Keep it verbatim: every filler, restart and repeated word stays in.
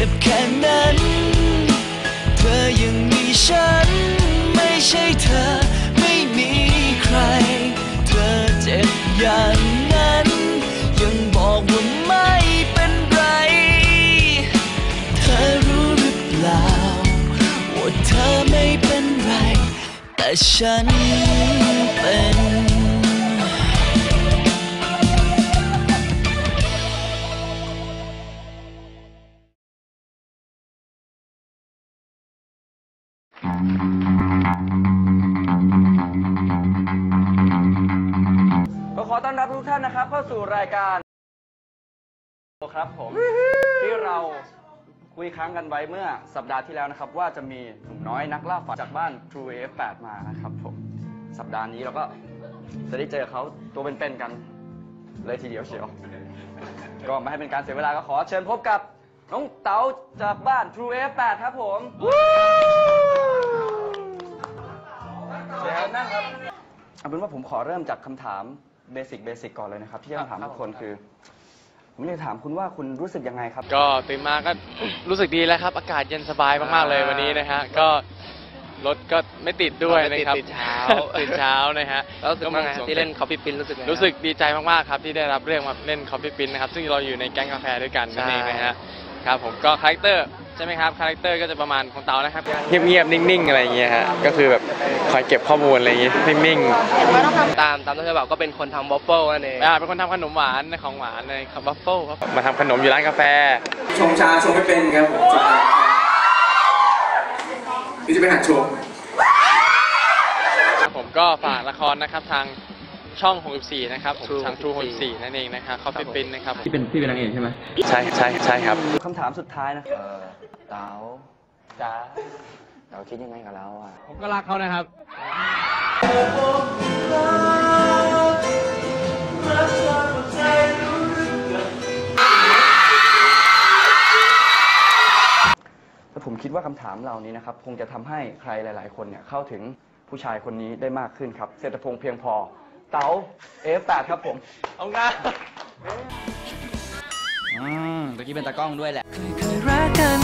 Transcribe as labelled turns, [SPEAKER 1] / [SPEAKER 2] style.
[SPEAKER 1] จ็บแค่นั้นเธอยังมีฉันไม่ใช่เธอไม่มีใครเธอเจ็บอย่างนั้นยังบอกว่าไม่เป็นไรเธอรู้หรือเปล่าว่าเธอไม่เป็นไรแต่ฉันเป็น
[SPEAKER 2] ก็ขอต้อนรับทุกท่านนะครับเข้าสู่รายการครับผมที่เราคุยค้างกันไว้เมื่อสัปดาห์ที่แล้วนะครับว่าจะมีหนุ่มน้อยนักล่าฝันจากบ้าน True เอ เอฟ แปด มานะครับผมสัปดาห์นี้เราก็จะได้เจอเขาตัวเป็นๆกันเลยทีเดียวเชียวก็ไม่ให้เป็นการเสียเวลาก็ขอเชิญพบกับน้องเต๋าจากบ้าน True เอ เอฟ แปด ครับผมเชิญนั่งครับเอาเป็นว่าผมขอเริ่มจากคำถามเบสิกเบสิกก่อนเลยนะครับที่จะถามทุกคนคือผมอยากถามคุณว่าคุณรู้สึกยังไงครับ
[SPEAKER 3] ก็ตื่นมาก็รู้สึกดีแล้วครับอากาศเย็นสบายมากๆเลยวันนี้นะฮะก็รถก็ไม่ติดด้วยนะครับตื่นเช้าตื่นเช้านะฮะแล้วก็มาที่เล่นคอฟฟี่ปิ้นรู้สึกรู้สึกดีใจมากๆครับที่ได้รับเรื่องมาเล่นคอฟฟี่ปิ้นนะครับซึ่งเราอยู่ในแก๊งกาแฟด้วยกันนั่นเองนะฮะครับผมก็คาแรคเตอร์ใช่ไหมครับคาแรคเตอร์ก็จะประมาณของเต๋านะครับเงียบๆนิ่งๆอะไรอย่างเงี้ยฮะก็คือแบบคอยเก็บข้อมูลอะไรอย่างงี้นิ่งๆตามตามที่เขาบอกก็เป็นคนทำวอฟเฟิลนั่นเองอ่าเป็นคนทำขนมหวานของหวานเลยครับวอฟเฟิลครับมาทำขนมอยู่ร้านกาแฟ
[SPEAKER 4] ชงชาชงไม่เป็นครับผมนี่จะไปหัดชง
[SPEAKER 3] ผมก็ฝากละครนะครับทางช่องหกสิบสี่นะครับผมทาง True หกสิบสี่นั่นเองนะครับคอฟฟี่ปิ้นนะครับ
[SPEAKER 5] ที่เป็นพี่เป็นนางเอกใช่ไหม
[SPEAKER 3] ใช่ใช่ใช่ครับ
[SPEAKER 2] คำถามสุดท้ายนะเออเต๋าจ๋าเต๋าคิดยังไงกับเราอ่ะ
[SPEAKER 3] ผมก็รักเขานะครับ
[SPEAKER 2] แล้วผมคิดว่าคำถามเหล่านี้นะครับคงจะทำให้ใครหลายๆคนเนี่ยเข้าถึงผู้ชายคนนี้ได้มากขึ้นครับเศรษฐพงษ์เพียงพอเต๋า เอ เอฟ แปด ครับผม
[SPEAKER 3] เอางาน
[SPEAKER 5] อืมตะกี้เป็นตากล้องด้วยแหละ
[SPEAKER 1] เคยรักกัน